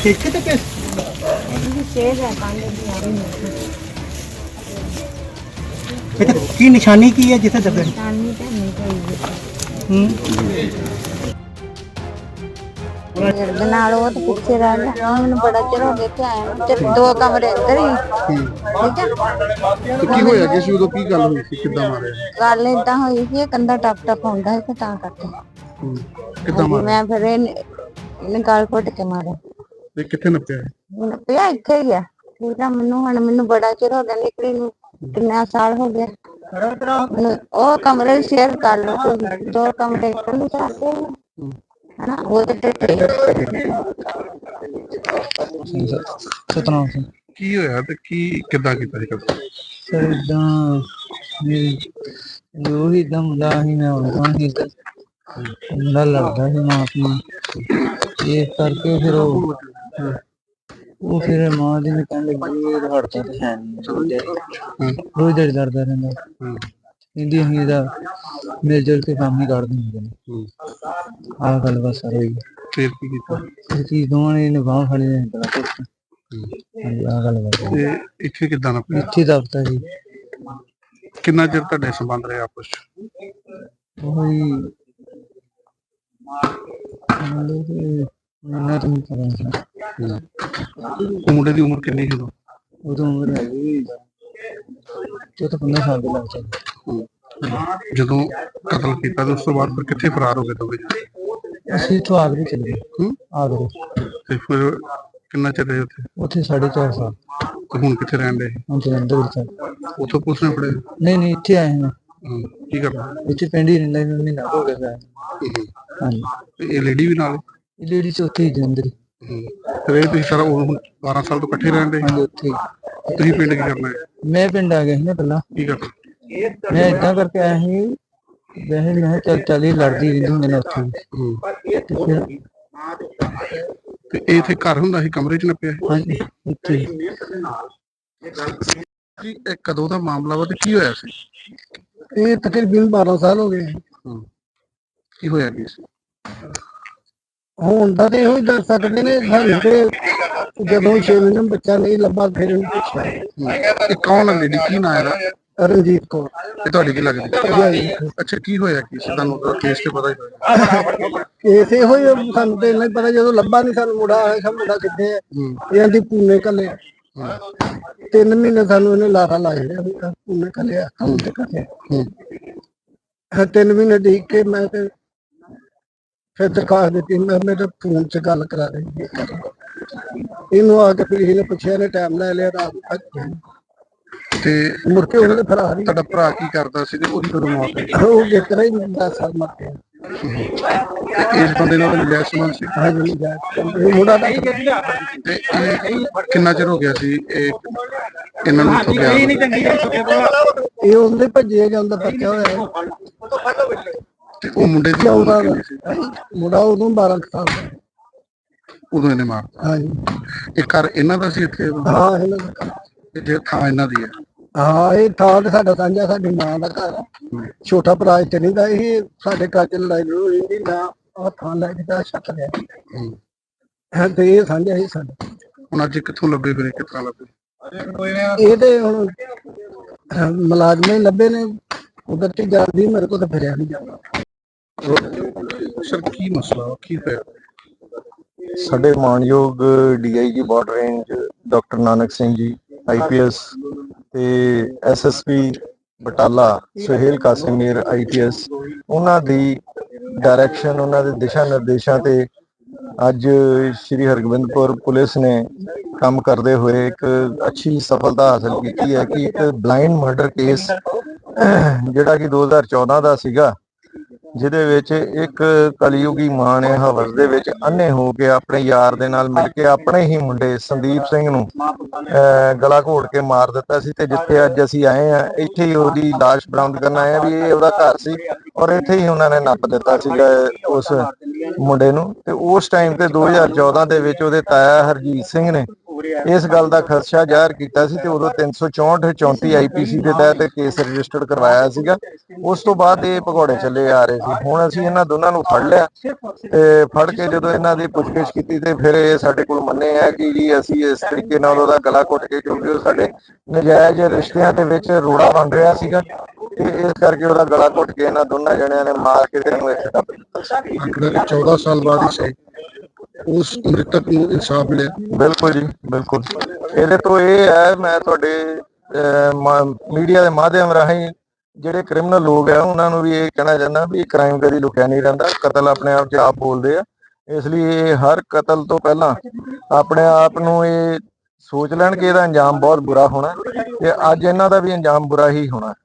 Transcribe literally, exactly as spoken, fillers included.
ਇੱਥੇ ਤੇ ਕਿਸ ਇੱਥੇ ਕੀ ਨਿਸ਼ਾਨੀ ਕੀ ਹੈ ਜਿੱਥੇ ਦੱਬੇ ਹੂੰ ਦੇ ਨਾਲ ਉਹ ਤੇ ਪਿੱਛੇ ਰਹਿ ਗਿਆ ਮੈਨੂੰ ਬੜਾ ਚਿਰ ਹੋ ਗਿਆ ਇੱਥੇ ਆਇਆ ਨੂੰ ਤੇ ਦੋ ਕਮਰੇ ਅੰਦਰ ਹੀ ਠੀਕ ਹੈ। ਤੇ ਕੀ ਹੋਇਆ ਕਿ ਸੀ ਉਦੋਂ ਕੀ ਗੱਲ ਹੋਈ ਸੀ ਕਿੱਦਾਂ ਮਾਰਿਆ ਗੱਲ ਏਦਾਂ ਹੋਈ ਸੀ ਇਹ ਕੰਧਾ ਟੱਪ ਟੱਪ ਹੁੰਦਾ ਸੀ ਤੇ ਤਾਂ ਕਰਕੇ ਹੂੰ ਕਿੱਦਾਂ ਮਾਰਿਆ ਮੈਂ ਫਿਰ ਇਹਨੇ ਇਹਨੇ ਗਾਲ ਘੁੱਟ ਕੇ ਮਾਰਿਆ ਤੇ ਕਿੱਥੇ ਨੱਪਿਆ ਮੈਨੂੰ ਪਿਆ ਇੱਥੇ ਹੀ ਆ ਠੀਕ ਆ। ਮੈਨੂੰ ਹੁਣ ਮੈਨੂੰ ਬੜਾ ਚਿਰ ਹੋ ਗਿਆ ਨਿਕਲੀ ਨੂੰ ਕਿੰਨਾ ਸਾਲ ਹੋ ਗਿਆ ਮੈਨੂੰ ਉਹ ਕਮਰੇ ਸ਼ੇਅਰ ਕਰ ਲਓ ਤੁਸੀਂ, ਦੋ ਕਮਰੇ ਇਕੱਲੇ ਚਾਹਤੇ ਹਨਾ ਉਹ ਤੇ ਸਤਨਾਮ ਸਿੰਘ ਕੀ ਹੋਇਆ ਤੇ ਕੀ ਕਿੱਦਾਂ ਕੀਤਾ ਸੀ ਕਤਲ ਸਰ ਇਦਾਂ ਜੋ ਹੀ ਇਦਾਂ ਮੁੰਡਾ ਸੀ ਮੈਂ ਉਹਨਾਂ ਹੀ ਮੁੰਡਾ ਲੜਦਾ ਸੀ ਮਾਂ ਆਪਣੀ ਇਹ ਕਰਕੇ ਫਿਰ ਉਹ ਉਹ ਫਿਰ ਮਾਂ ਦੀ ਨੇ ਕਹਿਣ ਲੱਗੀ ਇਹ ਹੜਦਾ ਤੇ ਹੈ ਨਹੀਂ ਰੋਜ਼ ਦਿਹਾੜੀ ਲੜਦਾ ਰਹਿੰਦਾ ਕਹਿੰਦੀ ਅਸੀਂ ਇਹਦਾ ਮਿਲ ਜੁਲ ਕੇ ਕੰਮ ਹੀ ਕੱਢ ਦਿੰਦੇ ਨੇ ਆਹ ਗੱਲ ਬਸ ਸਰ ਹੋਈ ਫਿਰ ਕੀ ਕੀਤਾ ਇਹ ਚੀਜ਼ ਦੋਵਾਂ ਨੇ ਇਹਨੇ ਬਾਂਹ ਫੜੀ ਨੇ ਬੜਾ ਕੁਛ ਹਾਂਜੀ ਆਹ ਗੱਲ ਬਸ ਤੇ ਇੱਥੇ ਕਿੱਦਾਂ ਨੱਪਿਆ ਇੱਥੇ ਦਫਤਰ ਜੀ ਕਿੰਨਾ ਚਿਰ ਤੁਹਾਡੇ ਸੰਬੰਧ ਰਹੇ ਆਪਸ ਚ ਉਹੀ ਮਤਲਬ ਕਿ ਮੈਨੂੰ ਤਾਂ ਨਹੀਂ ਪਤਾ ਉਹ ਮੁੰਡੇ ਦੀ ਉਮਰ ਕਿੰਨੀ ਸੀ ਉਦੋਂ ਉਦੋਂ ਉਮਰ ਹੈਗੀ ਚੌਦਾਂ ਪੰਦਰਾਂ ਸਾਲ ਦੇ ਲੱਗ ਜਾਂਦੇ ਜਦੋਂ ਕਤਲ ਕੀਤਾ ਤੇ ਉਸ ਤੋਂ ਬਾਅਦ ਫਿਰ ਕਿੱਥੇ ਫਰਾਰ ਹੋ ਗਏ ਦੋਵੇਂ ਜਣੇ ਅਸੀਂ ਇੱਥੋਂ ਆਗਰੇ ਚਲੇ ਗਏ ਹੂੰ ਆਗਰੇ ਤੇ ਫਿਰ ਕਿੰਨਾ ਚਿਰ ਰਹੇ ਉੱਥੇ ਉੱਥੇ ਸਾਢੇ ਚਾਰ ਸਾਲ ਤੇ ਹੁਣ ਕਿੱਥੇ ਰਹਿਣ ਦੇ ਹੁਣ ਜਲੰਧਰ ਵਿੱਚ ਉੱਥੋਂ ਪੁਲਿਸ ਨੇ ਫੜੇ ਨਹੀਂ ਨਹੀਂ ਇੱਥੇ ਆਏ ਹਾਂ ਹੂੰ, ਕੀ ਕਰਨਾ ਇੱਥੇ ਪਿੰਡ ਹੀ ਰਹਿੰਦਾ ਮੈਨੂੰ ਮਹੀਨਾ ਹੋ ਗਿਆ ਹੈ ਹਾਂਜੀ ਤੇ ਇਹ ਲੇਡੀ ਵੀ ਨਾਲ ਇਹ ਲੇਡੀ ਚ ਉੱਥੇ ਹੀ ਜਲੰਧਰ ਹੀ ਹੂੰ। ਫਿਰ ਇਹ ਤੁਸੀਂ ਸਾਰਾ ਉਹ ਹੁਣ ਬਾਰਾਂ ਸਾਲ ਤੋਂ ਇਕੱਠੇ ਰਹਿੰਦੇ ਹਾਂਜੀ ਉੱਥੇ ਹੀ। ਤੁਸੀਂ ਪਿੰਡ ਕੀ ਕਰਨਾ ਹੈ ਮੈਂ ਪਿੰਡ ਆ ਗਿਆ ਸੀ ਨਾ ਪਹਿਲਾਂ ਕੀ ਕਰਨਾ ਮੈਂ ਏਦਾਂ ਕਰਕੇ ਆਇਆ ਸੀ ਵੈਸੇ ਮੈਂ ਕਿਹਾ ਚੱਲ ਚੱਲ ਹੀ ਲੜਦੀ ਰਹਿੰਦੀ ਹੁੰਦੀ ਨੇ ਉੱਥੇ ਹੂੰ। ਤੇ ਫਿਰ ਤੇ ਇਹ ਇੱਥੇ ਘਰ ਹੁੰਦਾ ਸੀ ਕਮਰੇ ਚ ਨੱਪਿਆ ਸੀ? ਹਾਂਜੀ ਇੱਥੇ ਹੀ। ਜੀ ਇਹ ਕਦੋਂ ਦਾ ਮਾਮਲਾ ਵਾ ਤੇ ਕੀ ਹੋਇਆ ਸੀ ਇਹ ਤਕਰੀਬਨ ਬਾਰਾਂ ਸਾਲ ਹੋ ਗਏ ਹੂੰ। ਕੀ ਹੋਇਆ ਕੀ ਸੀ ਹੁਣ ਦਾ ਤੇ ਇਹੋ ਹੀ ਦੱਸ ਸਕਦੇ ਨੇ ਸਾਨੂੰ ਤੇ ਜਦੋਂ ਛੇ ਮਹੀਨੇ ਬੱਚਾ ਨਹੀਂ ਲੱਭਾ ਫਿਰ ਇਹਨੂੰ ਪੁੱਛਿਆ ਹੂੰ। ਇਹ ਕੌਣ ਹੈ ਲੇਡੀ ਕੀ ਨਾਂ ਇਹਦਾ ਰਣਜੀਤ ਕੌਰ ਇਹ ਤੁਹਾਡੀ ਕੀ ਲੱਗਦੀ ਅੱਛਾ ਕੀ ਹੋਇਆ ਕੀ ਸੀ ਤੁਹਾਨੂੰ ਤਾਂ ਕੇਸ ਤੇ ਪਤਾ ਹੀ ਹੋਇਆ ਕੇਸ ਇਹੋ ਹੀ ਆ, ਸਾਨੂੰ ਤੇ ਇੰਨਾ ਹੀ ਪਤਾ ਜਦੋਂ ਲੱਭਾ ਨਹੀਂ ਸਾਨੂੰ ਮੁੰਡਾ ਆਇਆ ਸਾ ਮੁੰਡਾ ਕਿੱਥੇ ਹੈ ਹੂੰ। ਇਹਨਾਂ ਦੀ ਪੂਨੇ ਕੱਲੇ ਹੂੰ। ਤਿੰਨ ਮਹੀਨੇ ਸਾਨੂੰ ਇਹਨੇ ਲਾਰਾ ਲਾਇਆ ਰਿਹਾ ਵੀ ਆਹ ਪੂਨੇ ਕੱਲਿਆ ਕੰਮ ਤੇ ਕੱਲਿਆ ਹੂੰ। ਤਿੰਨ ਮਹੀਨੇ ਦੇਖ ਕੇ ਮੈਂ ਤੇ ਫਿਰ ਦਰਖਾਸਤ ਦਿੱਤੀ ਮੈਂ ਮੇਰੇ ਫੋਨ 'ਚ ਗੱਲ ਕਰਾ ਰਹੀ ਇਹਨੂੰ ਆ ਕੇ ਫਿਰ ਇਹਨੇ ਪੁੱਛਿਆ ਨੇ ਟਾਈਮ ਲੈ ਲਿਆ ਰਾਤ ਤੱਕ ਤੇ ਮੁੜ ਕੇ ਉਹਨੇ ਫਰਾਰ ਹੀ ਤੁਹਾਡਾ ਭਰਾ ਕੀ ਕਰਦਾ ਸੀ ਤੇ ਉਹਦੀ ਕਦੋਂ ਮੌਤ ਹੋਈ ਉਹ ਕਿਤਰਾ ਹੀ ਦਸ ਸਾਲ ਮਰ ਗਿਆ ਤੇ ਇਸ ਬੰਦੇ ਨਾਲ ਮਿਲਿਆ ਸੰਬੰਧ ਸੀ ਹਾਂ ਜੀ ਜਾ ਇਹ ਮੁੰਡਾ ਦਾ ਤੇ ਇਹ ਕਿੰਨਾ ਚਿਰ ਹੋ ਗਿਆ ਸੀ ਇਹ ਇਹਨਾਂ ਨੂੰ ਇੱਥੋਂ ਗਿਆ ਇਹ ਉਹਦੇ ਭੱਜੇ ਜਾਂਦਾ ਪੱਕਿਆ ਹੋਇਆ ਤੇ ਉਹ ਮੁੰਡੇ ਦੀ ਚੌਦਾਂ ਉਮਰ ਦਾ ਕਿੰਨੀ ਸੀ ਮੁੰਡਾ ਉਦੋਂ ਬਾਰਾਂ ਕੁ ਸਾਲ ਦਾ ਉਦੋਂ ਇਹਨੇ ਮਾਰਤਾ ਹਾਂ ਜੀ ਇਹ ਘਰ ਇਹਨਾਂ ਦਾ ਸੀ ਇੱਥੇ ਹਾਂ ਇਹਨਾਂ ਦਾ ਤੇ ਜੇ ਥਾਂ ਇਹਨਾਂ ਦੀ ਹੈ ਹਾਂ ਇਹ ਥਾਂ ਤੇ ਸਾਡਾ ਸਾਂਝਾ ਸਾਡੀ ਮਾਂ ਦਾ ਘਰ ਆ। ਛੋਟਾ ਭਰਾ ਇੱਥੇ ਨਹੀਂ ਦਾ ਇਹ ਸਾਡੇ ਘਰ ਚ ਲੜਾਈ ਲੜੂਈ ਨਹੀਂ ਨਾ ਆਹ ਥਾਂ ਲੈ ਕੇ ਤਾਂ ਛੱਕ ਲਿਆ ਹੂੰ। ਹੈ ਤੇ ਇਹ ਸਾਂਝਾ ਹੀ ਸਾਡਾ ਹੁਣ ਅੱਜ ਕਿੱਥੋਂ ਲੱਭੇ ਫਿਰ ਇਹ ਕਿਸ ਤਰ੍ਹਾਂ ਲੱਭੇ ਇਹ ਤੇ ਹੁਣ ਅਹ, ਮੁਲਾਜ਼ਮ ਹੀ ਲੱਭੇ ਨੇ ਉਧਰ ਤੇ ਜਾਂਦੀ ਮੇਰੇ ਕੋਲ ਤਾਂ ਫਿਰਿਆ ਨਹੀਂ ਜਾਂਦਾ ਸਰ ਕੀ ਮਸਲਾ ਵਾ? ਕੀ ਹੋਇਆ ਸਾਡੇ ਮਾਨਯੋਗ DIG border range doctor Nanak Singh ji IPS ਤੇ ਐਸਐਸਪੀ ਬਟਾਲਾ ਸੁਹੇਲ ਕਾਸਿਮੀਰ ਆਈਪੀਐਸ ਉਹਨਾਂ ਦੀ ਡਾਇਰੈਕਸ਼ਨ ਉਹਨਾਂ ਦੇ ਦਿਸ਼ਾ ਨਿਰਦੇਸ਼ਾਂ ਤੇ ਅੱਜ ਸ਼੍ਰੀ ਹਰਗੋਬਿੰਦਪੁਰ ਪੁਲਿਸ ਨੇ ਕੰਮ ਕਰਦੇ ਹੋਏ ਇੱਕ ਅੱਛੀ ਸਫਲਤਾ ਹਾਸਲ ਕੀਤੀ ਹੈ ਕਿ ਇੱਕ ਬਲਾਈਂਡ ਮਰਡਰ ਕੇਸ ਜਿਹੜਾ ਕਿ ਦੋ ਹਜ਼ਾਰ ਚੌਦਾਂ ਦਾ ਸੀਗਾ ਜਿਹਦੇ ਵਿੱਚ ਇੱਕ ਕਲਯੁਗੀ ਮਾਂ ਨੇ ਹਵਸ ਦੇ ਵਿੱਚ ਅੰਨੇ ਹੋ ਕੇ ਆਪਣੇ ਯਾਰ ਦੇ ਨਾਲ ਮਿਲ ਕੇ ਆਪਣੇ ਹੀ ਮੁੰਡੇ ਸੰਦੀਪ ਸਿੰਘ ਨੂੰ ਗਲਾ ਘੋਟ ਕੇ ਮਾਰ ਦਿੱਤਾ ਸੀ ਤੇ ਜਿੱਥੇ ਅੱਜ ਅਸੀਂ ਆਏ ਆ ਇੱਥੇ ਹੀ ਉਹਦੀ ਲਾਸ਼ ਬਰਾਮਦ ਕਰਨ ਆਏ ਆ ਵੀ ਇਹ ਉਹਦਾ ਘਰ ਸੀ ਔਰ ਇੱਥੇ ਹੀ ਉਹਨਾਂ ਨੇ ਨੱਪ ਦਿੱਤਾ ਸੀਗਾ ਉਸ ਮੁੰਡੇ ਨੂੰ ਤੇ ਉਸ ਟਾਈਮ ਤੇ ਦੋ ਹਜ਼ਾਰ ਚੌਦਾਂ ਦੇ ਵਿੱਚ ਉਹਦੇ ਤਾਇਆ ਹਰਜੀਤ ਸਿੰਘ ਨੇ ਇਸ ਗੱਲ ਦਾ ਖਦਸ਼ਾ ਜ਼ਾਹਰ ਕੀਤਾ ਸੀ ਤੇ ਉਦੋਂ ਤਿੰਨ ਸੌ ਚੌਂਹਠ ਚੌਂਤੀ ਆਈਪੀਸੀ ਦੇ ਤਹਿਤ ਕੇਸ ਰਜਿਸਟਰਡ ਕਰਵਾਇਆ ਸੀਗਾ। ਉਸ ਤੋਂ ਬਾਅਦ ਇਹ ਭਗੌੜੇ ਚੱਲੇ ਆ ਰਹੇ ਸੀ। ਹੁਣ ਅਸੀਂ ਇਹਨਾਂ ਦੋਨਾਂ ਨੂੰ ਫੜ ਲਿਆ ਤੇ ਫੜ ਕੇ ਜਦੋਂ ਇਹਨਾਂ ਦੀ ਪੁੱਛਗਿੱਛ ਕੀਤੀ ਤੇ ਫਿਰ ਇਹ ਸਾਡੇ ਕੋਲ ਮੰਨੇ ਆ ਕਿ ਜੀ ਅਸੀਂ ਇਸ ਤਰੀਕੇ ਨਾਲ ਉਹਦਾ ਗਲਾ ਘੁੱਟ ਕੇ, ਕਿਉਂਕਿ ਉਹ ਸਾਡੇ ਨਜਾਇਜ਼ ਰਿਸ਼ਤਿਆਂ ਦੇ ਵਿੱਚ ਰੋੜਾ ਬਣ ਰਿਹਾ ਸੀਗਾ ਤੇ ਇਸ ਕਰਕੇ ਉਹਦਾ ਗਲਾ ਘੁੱਟ ਕੇ ਇਹਨਾਂ ਦੋਨਾਂ ਜਣਿਆਂ ਨੇ ਮਾਰ ਕੇ ਤੇ ਇਹਨੂੰ ਇੱਥੇ ਦੱਬ ਦਿੱਤਾ। ਆਖਰ ਚੌਦਾਂ ਸਾਲ ਬਾਅਦ ਹੀ ਸਹੀ ਉਸ ਮ੍ਰਿਤਕ ਨੂੰ ਇਨਸਾਫ ਮਿਲਿਆ। ਬਿਲਕੁਲ ਜੀ, ਬਿਲਕੁਲ। ਇਹਦੇ ਤੋਂ ਇਹ ਹੈ, ਮੈਂ ਤੁਹਾਡੇ ਮੀਡੀਆ ਦੇ ਮਾਧਿਅਮ ਰਾਹੀਂ ਜਿਹੜੇ ਕ੍ਰਿਮੀਨਲ ਲੋਕ ਆ ਉਹਨਾਂ ਨੂੰ ਵੀ ਇਹ ਕਹਿਣਾ ਚਾਹੁੰਦਾ ਵੀ ਕ੍ਰਾਈਮ ਕਦੀ ਲੁਕਿਆ ਨਹੀਂ ਰਹਿੰਦਾ, ਕਤਲ ਆਪਣੇ ਆਪ 'ਚ ਆਪ ਬੋਲਦੇ ਆ। ਇਸ ਲਈ ਇਹ ਹਰ ਕਤਲ ਤੋਂ ਪਹਿਲਾਂ ਆਪਣੇ ਆਪ ਨੂੰ ਇਹ ਸੋਚ ਲੈਣ ਕਿ ਇਹਦਾ ਅੰਜਾਮ ਬਹੁਤ ਬੁਰਾ ਹੋਣਾ ਤੇ ਅੱਜ ਇਹਨਾਂ ਦਾ ਵੀ ਅੰਜਾਮ ਬੁਰਾ ਹੀ ਹੋਣਾ।